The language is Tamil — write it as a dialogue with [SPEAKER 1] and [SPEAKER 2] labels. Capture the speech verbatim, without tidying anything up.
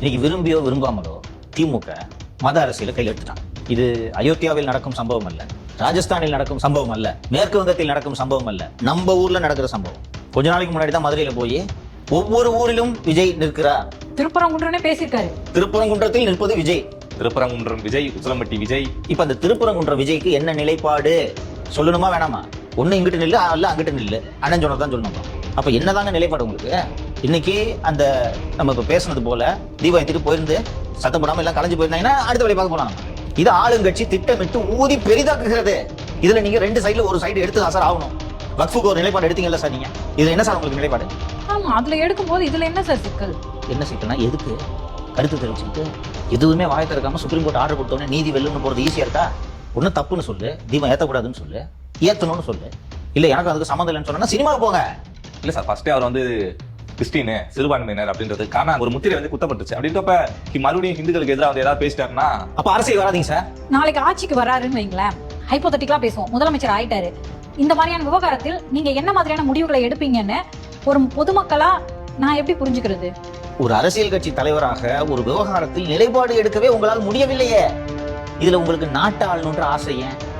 [SPEAKER 1] இன்னைக்கு விரும்பியோ விரும்பாமலோ திமுக மத அரசியலை கையில் எடுத்துட்டான். இது அயோத்தியாவில் நடக்கும் சம்பவம் அல்ல, ராஜஸ்தானில் நடக்கும் சம்பவம் அல்ல, மேற்கு வங்கத்தில் நடக்கும் சம்பவம் அல்ல, நம்ம ஊர்ல நடக்கிற சம்பவம். கொஞ்ச நாளைக்கு முன்னாடி தான் மதுரையில போய் ஒவ்வொரு ஊரிலும் விஜய் நிற்கிறார்.
[SPEAKER 2] திருப்பரங்குன்றனே பேசியிருக்காரு.
[SPEAKER 1] திருப்பரங்குன்றத்தில் நிற்பது விஜய்.
[SPEAKER 3] திருப்பரங்குன்றம் விஜய், உசிலம்பட்டி விஜய்.
[SPEAKER 1] இப்ப அந்த திருப்பரங்குன்ற விஜய்க்கு என்ன நிலைப்பாடு சொல்லணுமா வேணாமா? ஒண்ணு இங்கிட்டு நில்லு, அல்ல அங்கிட்டு நில்லு, அண்ணன் சொன்னதான் சொல்லணும். அப்ப என்னதாங்க நிலைப்பாடு உங்களுக்கு? இன்னைக்கு அந்த நம்ம இப்ப பேசுனது போல தீபாவளி போயிருந்து சத்தம் போடாம எல்லாம் கலைஞ்சு போயிருந்தாங்கன்னா அடுத்த வழி பார்க்க போலாம். இது ஆளுங்கட்சி திட்டமிட்டு ஊதி பெரிதாக்குகிறது. இதுல நீங்க ரெண்டு சைடுல ஒரு சைடு எடுத்து தான் சார் ஆகணும். வக்ஃபுக்கு ஒரு நிலைப்பாடு எடுத்தீங்கல்ல சார் நீங்க, இது என்ன சார் உங்களுக்கு நிலைப்பாடு?
[SPEAKER 2] ஆமா, அதுல எடுக்கும் போது இதுல என்ன சார் சிக்கல்?
[SPEAKER 1] என்ன சிக்கல்னா எதுக்கு கருத்து தெரிவிச்சுட்டு எதுவுமே வாய் திறக்காம சுப்ரீம் கோர்ட் ஆர்டர் கொடுத்தோன்னே நீதி வெல்லுன்னு போறது ஈஸியா இருக்கா? ஒன்னும் தப்புன்னு சொல்லு, தீபம் ஏத்தக்கூடாதுன்னு சொல்லு, ஏத்தணும்னு சொல்லு. இல்ல எனக்கு அதுக்கு சம்மந்தம் இல்லைன்னு சொன்னா சினிமாவுக்கு போங்க.
[SPEAKER 3] இல்ல சார், ஃபர்ஸ்டே அவர் வந்து கிறிஸ்டின் சிறுபான்மையினர் அப்படின்றதுக்கான ஒரு முத்திரை வந்து குத்தப்பட்டுச்சு. அப்படின்றப்ப மறுபடியும் ஹிந்துக்களுக்கு எதிராக வந்து ஏதாவது பேசிட்டாருன்னா
[SPEAKER 1] அப்ப அரசியல் வராதீங்க சார்.
[SPEAKER 2] நாளைக்கு ஆட்சிக்கு வராருன்னு வைங்களேன், ஹைப்போதட்டிக்கலா பேசுவோம், முதலமைச்சர் ஆயிட்டாரு. இந்த மாதிரியான விவகாரத்தில் நீங்க என்ன மாதிரியான முடிவுகளை எடுப்பீங்கன்னு ஒரு பொதுமக்களா நான் எப்படி புரிஞ்சுக்கிறது?
[SPEAKER 1] ஒரு அரசியல் கட்சி தலைவராக ஒரு விவகாரத்தில் நிலைப்பாடு எடுக்கவே உங்களால் முடியவில்லையே. இதுல உங்களுக்கு நாட்டு ஆளணுன்ற ஆசை ஏன்?